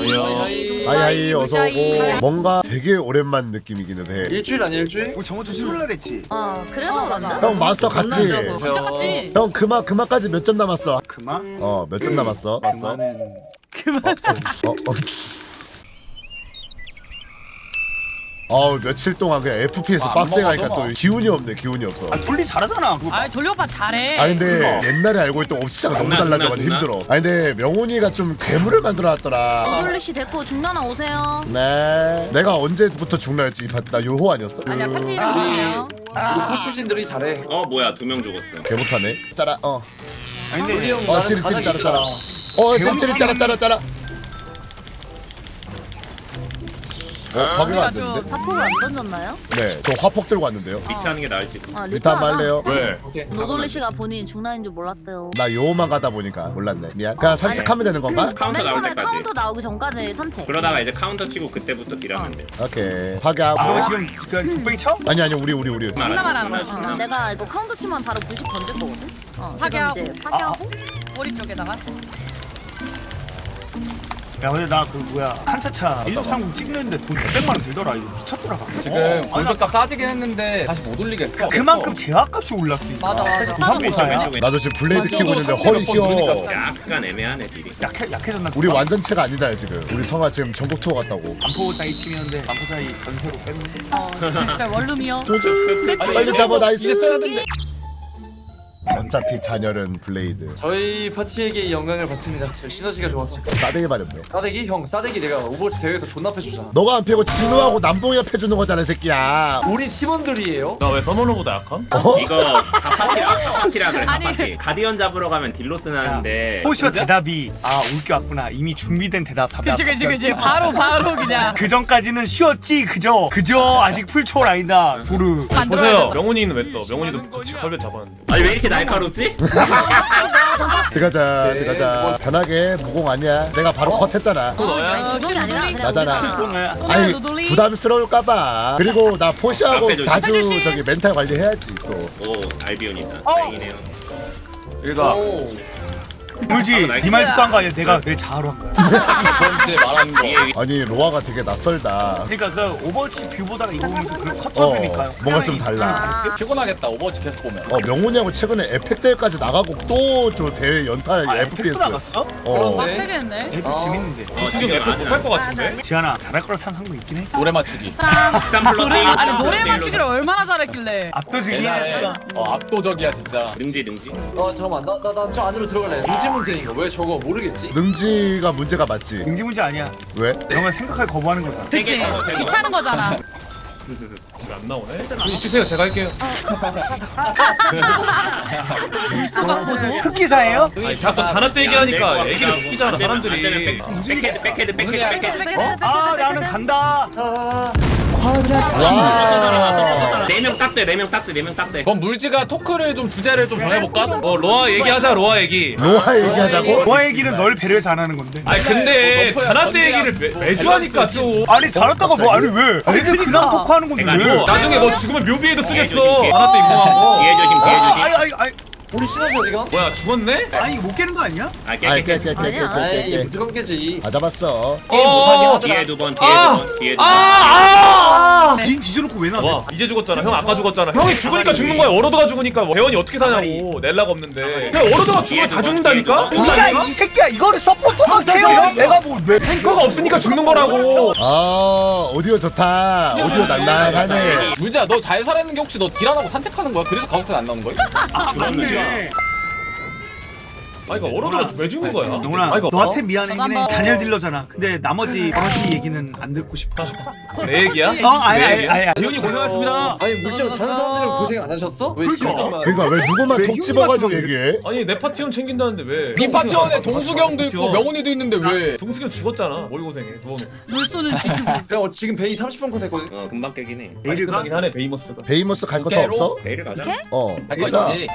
하이하이 어서오고. 뭔가 되게 오랜만 느낌이기는 해. 일주일 아니야 일주일? 우리 저번 주 수요일 날 했지. 그래서 맞나? 형 마스터 갔지? 진짜 같지? 형 그마까지 몇 점 남았어? 그만? 몇 점 남았어? 봤어? 그만은 며칠 동안 그냥 FPS 빡세게 하니까 또 기운이 없네. 기운이 없어. 돌리 잘하잖아. 그거. 아 돌리 오빠 잘해. 아니 근데 옛날에 알고 있던 옵치자가 너무 달라져가지고 힘들어. 아니 근데 명훈이가 좀 괴물을 만들어놨더라. 돌리 씨 됐고 중라나 오세요. 네. 내가 언제부터 중라였지? 이 나 요호 아니었어? 아니야 파티 이름 뭐예요? 우리 코치진들이 잘해. 뭐야 2명 죽었어. 개 못하네. 짜라. 아니 근데 찌릿 짜라. 찌릿 짜라. 확인 안 됐는데? 파포를 안 던졌나요? 네, 저 화폭 들고 왔는데요. 밑에 하는 게 나을지. 리타 한번 할래요? 왜? 노돌리 씨가 본인 중라인 줄 몰랐대요. 나 요호만 가다 보니까 몰랐네. 미안. 그냥 산책하면 되는 건가? 카운터 맨 나올 처음에 때까지. 카운터 나오기 전까지 산책. 그러다가 이제 카운터 치고 그때부터 딜하면 돼. 오케이. 파괴하고. 아 지금 그 족뱅이 쳐? 아니 우리. 존나 말하는 거. 내가 이거 카운터 치면 바로 90 던질 거거든. 파괴하고. 지금 이제 파괴하고. 머리 쪽에다가. 야 근데 나 그 뭐야 한차차 1630 찍는데 돈 100만 원 들더라. 이거 미쳤더라. 지금 골격값 싸지긴 했는데 다시 못 올리겠어. 그만큼 제약값이 올랐으니까. 맞아. 그래서 싸는 93비사야. 왼쪽에 나도 지금 블레이드 키고 있는데 또 허리 상대가 휘어. 보니까 약간 애매하네 딜이. 약해졌나? 우리 완전체가 아니잖아 지금. 우리 성아 지금 전국 투어 갔다고. 안포자이 팀이었는데 안포자이 전세로 뺐네. 진짜 원룸이요. 빨리 잡아 나이스. 이제 써야 된대. 어차피 잔열은 블레이드. 저희 파티에게 영광을 바칩니다. 저희 시너지가 좋아서. 싸대기 마렵네. 싸대기? 형 싸대기 내가 오버워치 대회에서 존나 패주잖아. 너가 안 패고 진우하고 남봉이가 패주는 거잖아 이 새끼야. 우리 팀원들이에요. 나 왜 서머너보다 약함? 이거 다파티라 그래 아니. 다파티. 가디언 잡으러 가면 딜로스 나는데. 호시가 대답이 올 게 왔구나. 이미 준비된 대답 답이 그치. 바로 그냥. 그 전까지는 쉬었지 그저 아직 풀초월 아니다 도르. 보세요. 명훈이는 왜 떠? 명훈이도 같이 칼배 잡았는데. 아니 왜 이렇게 날카롭지? 들어가자. 편하게 무공 아니야. 내가 바로 컷했잖아. 아니 주동이 아니라 그냥 나잖아. 우리가. 아니 노돌리. 부담스러울까봐. 그리고 나 포시하고 앞에 다주 해주시. 저기 멘탈 관리해야지 또. 오 알비온이다. 다행이네요. 일가. 물지 네 말 듣고 한 거 아니야. 내가 내 자아로 한 거야. 이번째 말하는 거. 아니 로아가 되게 낯설다. 그러니까 그 오버워치 뷰보다가 이거 보면 좀 그런 컷업이니까요. 뭔가 좀 달라. 피곤하겠다 오버워치 계속 보면. 명훈이하고 최근에 에펙 대회까지 나가고 또 저 대회 연타 FPS. 나갔어? 빡세겠네. FPS 재밌는데. 지금 F 못할 것 같은데? 지한아 잘할 거라 생각한 거 있긴 해. 노래 맞추기. 아니 노래 맞추기를 얼마나 잘했길래. 압도적이야. 대단해. 압도적이야 진짜. 능지. 잠깐만 나 저 안으로 들어갈래. 문제문제인가? 왜 저거 모르겠지? 능지가 문제가 맞지. 능지 문제 아니야. 왜? 이런 걸 생각하기 거부하는 거잖아. 그치. 귀찮은 거잖아. 왜 안 나오네? 주세요. 제가 할게요. 물소가 고소. 흑기사예요? 아니 자꾸 자나때 얘기하니까 애기를 웃기잖아 사람들이. 백헤드. 나는 간다. 와. 4명 딱대. 그럼 물지가 토크를 좀 주제를 좀 정해볼까? 로아 얘기하자. 로아 얘기. 로아 얘기하자고? 너의 얘기는 널 배려해서 안 하는 건데. 아니 근데 자나때 얘기를 매주 하니까 좀. 아니 잘했다가 뭐 아니 왜? 애들 그냥 토크하는 건데 왜? 나중에 너 죽으면 묘비에도 쓰겠어. 조심, 자나때 인공하고. 뒤에 조심. 아니 우리 시너지 어디가? 뭐야 죽었네? 아니 이거 못 깨는 거 아니야? 아이 아이 깨. 무조건 깨지. 다 잡았어. 게임 못하긴 하더라. 뒤에 두 번. 닌 뒤져놓고 왜 나와? 와 이제 죽었잖아. 형 아까 죽었잖아. 형이 죽으니까 죽는 거야. 워로드가 죽으니까 회원이 어떻게 사냐고. 넬라가 없는데. 그냥 워로드가 죽으면 다 죽는다니까? 네가 이 새끼야 이거를 서포터가 해요. 내가 뭐 왜? 탱커가 없으니까 죽는 거라고. 오디오 좋다. 오디오 날랑하네. 물지야 너 잘 살았는 게 혹시 너 딜 안 하고 산책하는 거야? 그래서 가격대 안 나오는 거야? 맞네. 아니 그러니까 워로드가 왜 죽는 거야? 영훈아 아니, 그러니까 너한테 미안해. 잔열 딜러잖아. 근데 나머지 버러지 얘기는 안 듣고 싶어. 내 얘기야? 아니. 대훈이 고생하셨습니다. 아니 물질 다른 사람들은 고생 안 하셨어? 왜 희망만? 그러니까 왜 누구만 왜 톡 희망 집어가지고 같은 얘기해? 아니 내 파티원 챙긴다는데 왜? 네 파티원에 동수경도 있고 명훈이도 있는데 왜? 동수경 죽었잖아. 뭘 고생해? 누워서. 물소는 지키고. 그냥 지금 베이 30분 컷 했거든. 금방 깨긴 해. 내일 가? 끝나긴 하네 베이모스가. 베이모스 갈 거 더 깨로? 없어? 내일 가자. 할 거 가자. 있지.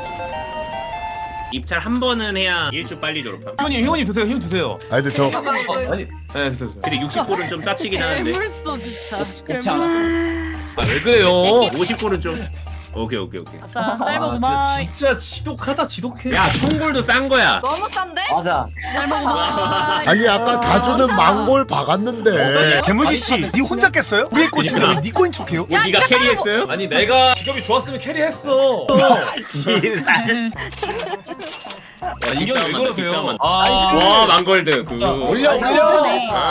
입찰 한 번은 해야 일주 빨리 졸업함. 희원님 드세요. 희원 드세요. 아니 근데 저 아니, 네 드세요. 근데 60골은 좀 짜치긴 하는데 물소 진짜. 그렇지 않아. 아 왜 그래요? 50골은 좀 오케이. 아싸 쌀먹 진짜, 우마이. 진짜 지독하다 지독해. 야 청골도 싼 거야. 너무 싼데? 맞아. 쌀먹 우마이. 아니 아까 다주는 망골 박았는데 개물지 씨, 니 혼자 깼어요? 우리 꼬신데 왜니 꼬인 척해요? 뭐 네가 캐리했어요? 아니 내가 직업이 좋았으면 캐리했어. 야, 인경이 왜 그러세요? 와 망골드. 올려 올려.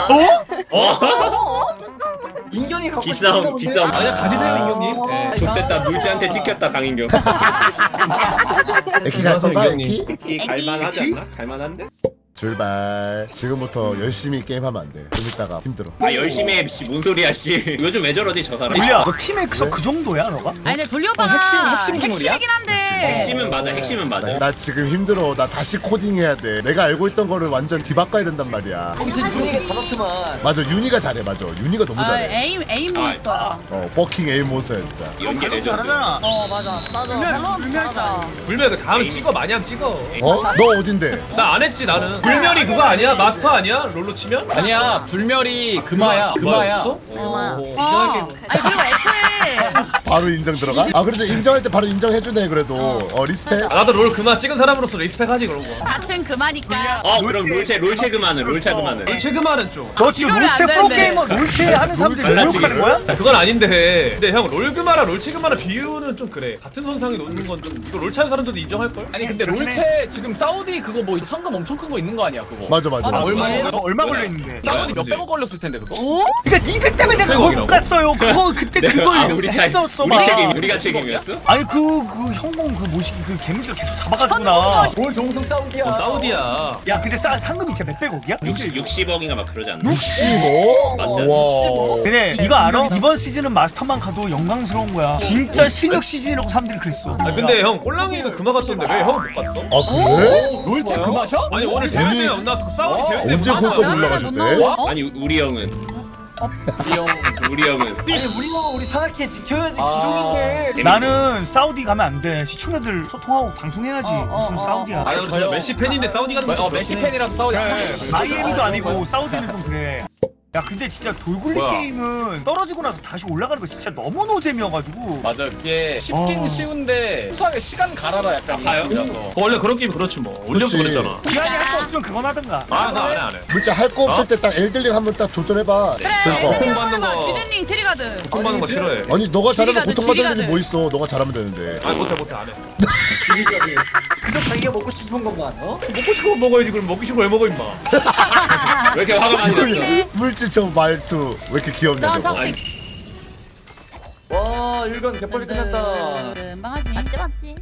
인견이 갖고 기싸움. 아니야 가지세요 인경님. 네. 좋됐다 물지한테 찍혔다 강인경. 에키 갈 건가 에키? 갈만하지 않나? 갈만한데? 출발. 지금부터 열심히 게임하면 안 돼. 좀 이따가 힘들어. 아 열심히 해. 씨, 뭔 소리야 씨. 요즘 왜 저러지 저 사람? 돌리야, 너 팀엑서 그 정도야 너가? 아니 근데 돌리 오빠가 핵심 기물이야? 핵심이긴 한데. 핵심은 맞아. 나 지금 힘들어. 나 다시 코딩해야 돼. 내가 알고 있던 거를 완전 뒤바꿔야 된단 말이야. 거기서 윤희가 다 넣지만. 맞아 윤희가 잘해. 맞아 윤희가 너무 아 잘해. 에임 몬스터야. 버킹 에임 몬스터야 진짜. 연기 발음 레전드. 잘하잖아. 맞아. 불멸자. 불멸 그 다음에 찍어 많이 하면 찍어. 어? 너 어딘데? 나 안 했지 나는. 불멸이 그거 아니야? 마스터 아니야? 롤로 치면? 아니야 불멸이 금화야. 금화야. 아니 그리고 애초에 바로 인정 들어가? 아 그래도 인정할 때 바로 인정해주네 그래도. 리스펙. 나도 롤 그만 찍은 사람으로서 리스펙하지 그런 거. 같은 그마니까. 그럼 롤체 그만은. 최근만은 좀. 너 지금 이러면 롤체 안 프로게이머 롤체 하는 사람들이 모욕하는 거야? 그건 아닌데. 근데 형 롤그마랑 롤체그마랑 비유는 좀 그래. 같은 선상에 놓는 건 좀 이거 롤 차는 사람들도 인정할 걸? 아니 근데 롤체 지금 사우디 그거 뭐 상금 엄청 큰 거 있는 거 아니야 그거? 맞아. 얼마 걸려 있는데? 사우디 몇백억 걸렸을 텐데 그거? 그러니까 니들 때문에 내가 그걸 못 갔어요. 그거 그때 그걸 했었어 봐. 우리가 책임이었어? 아니 그 형공 그 모시기 그 개미가 계속 잡아가지고 나. 뭘 동성 싸우기야. 사우디야. 야 근데 상금이 진짜 몇백억이야? 60억인가 막 그러지 않나? 65? 맞아. 와. 근데 이거 알아? 이번 시즌은 마스터만 가도 영광스러운 거야. 진짜 실력 시즌이라고 사람들이 그랬어. 아 근데 형 꼴랑이는 그마 갔던데 왜 형은 못 갔어? 아 그래? 롤체 금화셔? 아니 오늘 대회에 안 나왔어. 그 싸우기 대회 때 언제 못 나왔어. 거기까지 올라가셨대? 아니 우리 형은 아니 우리 산악회 지켜야지 기둥인데. 나는 사우디 가면 안 돼. 시청자들 소통하고 방송해야지. 무슨 사우디야. 아니 저 메시 팬인데 사우디 가는 거 메시 팬이라서 사우디. 마이애미도 아니고 사우디는 좀 그래. 야 근데 진짜 돌굴리 뭐야? 게임은 떨어지고 나서 다시 올라가는 거 진짜 너무 노잼이어가지고. 맞아 그게 쉽긴 쉬운데 수학에 시간 갈아라 약간 가요? 이라서. 원래 그런 게임 그렇지 뭐. 올려서 그치. 그랬잖아. 기한이 할 거 없으면 그건 하든가. 아 나 안 해. 진짜 할 거 없을 때 딱 엘들링 한번 딱 도전해봐. 그래 그러니까. 애들이 받는 한번 거. 쥐든링 트리가드. 공 받는 거 싫어해. 아니 너가 잘하면 지리가드, 보통 받는 일이 지리가드. 뭐 있어. 너가 잘하면 되는데. 아니 못해 안 해. 그저 자기가 먹고 싶은 것만. 먹고 싶으면 먹어야지. 그럼 먹기 싫으면 왜 먹어 임마. 왜 이렇게 화가 많이 났어? 물지처 말투 왜 이렇게 귀엽냐 넌 저거. 턱식. 와 일간 개빨리 끝났다. 망하지. 맞지?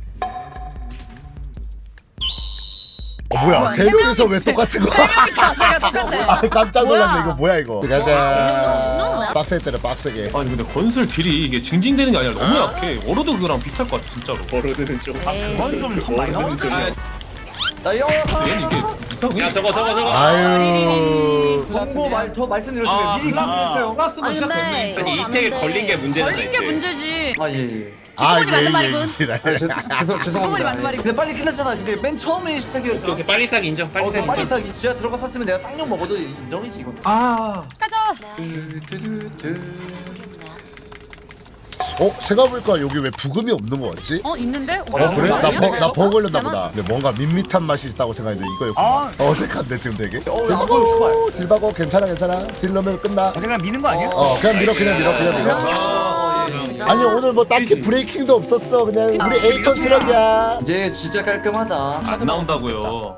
뭐야 세 명이서 왜 똑같은 거야? 자세가 똑같아. 아 깜짝 놀랐네. 뭐야? 이거 뭐야 이거. 가자. 빡세게 때려 빡세게. 아니 근데 건슬 딜이 이게 징징대는 게 아니라 너무 약해. 워로드 그거랑 비슷할 것 같아 진짜로. 버로드는 좀. 그건 좀 많이 나오니까. 나 영어. 얘는 이게 이상해. 야 저거. 아유. 홍보 저 말씀드렸으면 미리 아, 클릭했어요. 아니 근데 아니 이 세계 걸린 게 문제잖아. 걸린 게 문제지. 아 예. 아 맞는 말이군. 예예 지랄. 죄송합니다. 맞는 말이군. 근데 빨리 끝났잖아. 근데 맨 처음에 시작이었죠. 오케이 빨리 싸기 인정. 빨리 싸기 빨리 인정. 싸기 지하 들어가 샀으면 내가 쌍욕 먹어도 인정이지 이건. 아. 가자. 생각해보니까 여기 왜 부금이 없는 거 같지? 있는데? 그래? 아니야? 나버 걸렸나 보다. 근데 뭔가 밋밋한 맛이 있다고 생각했는데 이거였구나. 어색한데 지금 되게. 이거 딜바고 괜찮아. 딜 넣으면 끝나. 그냥 미는 거 아니야? 그냥 밀어. 아니 오늘 뭐 딱히 브레이킹도 없었어. 그냥 우리 에이턴 트럭이야. 이제 진짜 깔끔하다. 안 나온다고요.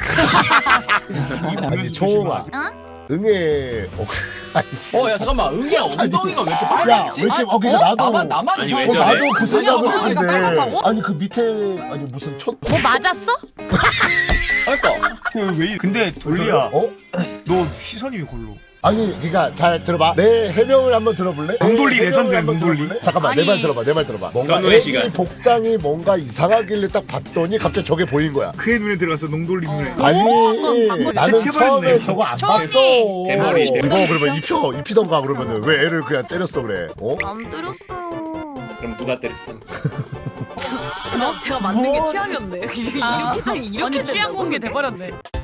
아니 초홍아. 응애. 야 잠깐만 응이야 엉덩이가 왜 이렇게 빨갛지? 야, 왜 이렇게 그러니까 나도 나만 아니, 이상해. 왜 저래? 나도 그 생각을 아니, 했는데 깜깜하고? 아니 그 밑에 아니 무슨 첫 뭐 맞았어? 그러니까 왜? 근데 돌리야. 어? 너 시선이 왜 골로? 아니 그러니까 잘 들어봐. 내 해명을 한번 들어볼래? 몽돌리 내 해명을 레전드야, 한번 몽돌리. 들어볼래? 잠깐만 아니. 내 말 들어봐. 뭔가 변호의 애기 시간. 복장이 뭔가 이상하길래 딱 봤더니 갑자기 저게 보인 거야. 그의 눈에 들어가서 농돌리 눈에. 아니 나는 대체 처음에 버렸네. 저거 안 처음이. 봤어. 대머리. 이거 그러면 입히던가 그러면은 왜 애를 그냥 때렸어 그래? 어? 안 때렸어요. 그럼 누가 때렸어? 제가 만든 게 취향이었네. 아니 취향 공개 돼버렸네.